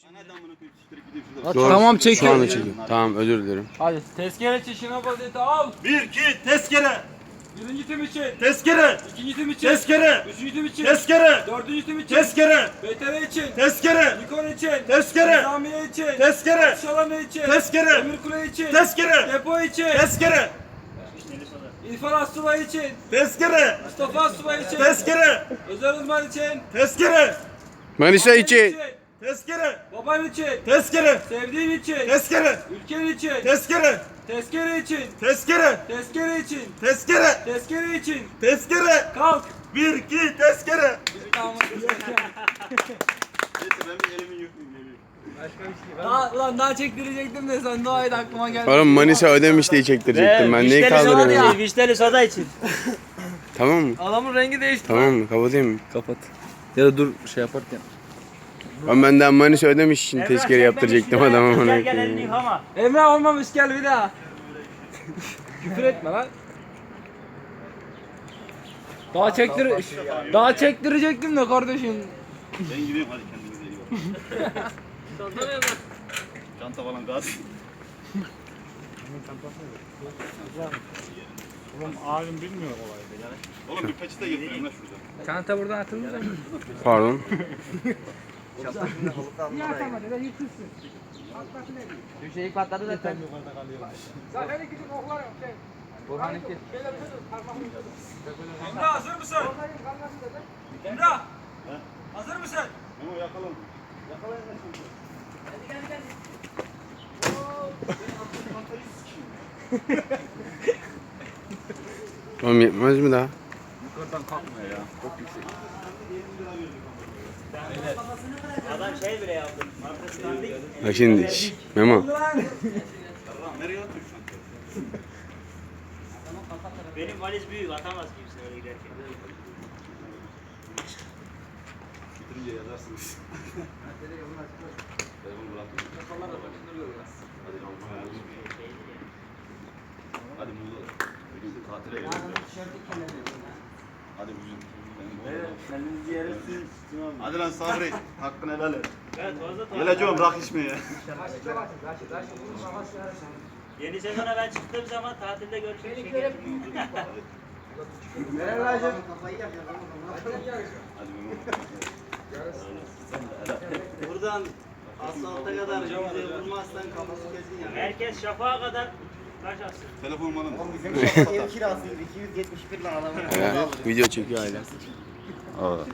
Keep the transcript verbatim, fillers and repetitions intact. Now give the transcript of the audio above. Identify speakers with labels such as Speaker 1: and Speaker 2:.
Speaker 1: Doğru.
Speaker 2: Tamam,
Speaker 1: Şu
Speaker 2: çekiyorum.
Speaker 1: anda çekiyorum. Tamam, özür dilerim.
Speaker 2: Hadi tezkere çişine vaziyeti al.
Speaker 3: Bir, iki, tezkere.
Speaker 2: Birinci tim için.
Speaker 3: Tezkere.
Speaker 2: İkinci tim için.
Speaker 3: Tezkere.
Speaker 2: Üçüncü tim için.
Speaker 3: Tezkere.
Speaker 2: Dördüncü tim için.
Speaker 3: Tezkere.
Speaker 2: B T R için.
Speaker 3: Tezkere.
Speaker 2: Nikon için.
Speaker 3: Tezkere.
Speaker 2: Nizamiye için.
Speaker 3: Tezkere.
Speaker 2: Şalanı için.
Speaker 3: Tezkere.
Speaker 2: Demirkule için.
Speaker 3: Tezkere.
Speaker 2: Depo için.
Speaker 3: Tezkere.
Speaker 2: İrfan Asubay için.
Speaker 3: Tezkere.
Speaker 2: Mustafa Asubay için.
Speaker 3: Tezkere.
Speaker 2: Özel uzman için.
Speaker 3: Tezkere.
Speaker 1: Manisa için.
Speaker 3: Tezkere.
Speaker 2: Baban için.
Speaker 3: Tezkere.
Speaker 2: Sevdiğin için.
Speaker 3: Tezkere.
Speaker 2: Ülken için.
Speaker 3: Tezkere.
Speaker 2: Tezkere için.
Speaker 3: Tezkere.
Speaker 2: Tezkere için.
Speaker 3: Tezkere.
Speaker 2: Tezkere için.
Speaker 3: Tezkere.
Speaker 2: Kalk.
Speaker 3: Bir, iki, tezkere.
Speaker 2: Tamam.
Speaker 3: Neyse ben bir elimi yıkayayım.
Speaker 2: Daha, ulan daha çektirecektim de sen doğaydı aklıma geldi.
Speaker 1: Oğlum Manisa ödemiş diye çektirecektim ben. Neyi kaldırıyorum?
Speaker 4: Vişneli soda için.
Speaker 1: Tamam mı?
Speaker 2: Adamın rengi değişti.
Speaker 1: Tamam mı? Kapatayım mı?
Speaker 2: Kapat. Ya da dur şey yaparken.
Speaker 1: Ben benden Manisa ödemiş için tezkere yaptıracaktım adama.
Speaker 4: Gel gel elini yıkama.
Speaker 2: Emre olmamış gel bir daha. Küfür etme lan. Daha çektir daha çektirecektim de kardeşim.
Speaker 3: Ben gidiyorum hadi kendinize iyi bakın. Çanta falan gaz.
Speaker 5: Oğlum abim bilmiyor olayı.
Speaker 3: Oğlum bir peçete getirdim lan şurada.
Speaker 2: Çanta buradan atılır mı?
Speaker 1: Pardon.
Speaker 2: Düşeyi patladı zaten. Burhan iki. Emre hazır mısın? Emre hazır mısın?
Speaker 3: Memo yakalım. Yakalayın lan şunu.
Speaker 1: Oğlum yetmez mi daha?
Speaker 3: Yukarıdan kalkmıyor ya. Çok yüksek.
Speaker 4: Adam şey bile yaptı. Markasından değil.
Speaker 1: Bak şimdi. şş, Memo.
Speaker 3: Nereye atıyor şu an?
Speaker 4: Benim valiz büyük atamaz kimse öyle giderken.
Speaker 3: Bitirince yazarsınız. Telefonu bırakın. Hadi lan. Hadi Muğla. Bugün tatile gidelim. Hadi bugün.
Speaker 4: Kendinizi yersiniz.
Speaker 3: Hadi lan Sabri. Hakkını helal et.
Speaker 4: Evet fazla tatlı.
Speaker 3: Geleceğim rak içmeye.
Speaker 4: Yeni sezona ben çıktığım zaman tatilde görüşmek için.
Speaker 3: Hadi Memo.
Speaker 4: Buradan asfalta kadar bize vurmazsan kafası kesin ya. Herkes şafağa kadar taş atsın.
Speaker 3: Telefon bana.
Speaker 4: Ev kirası iki yüz yetmiş bir lira adamın.
Speaker 1: He, video çekiyor hala.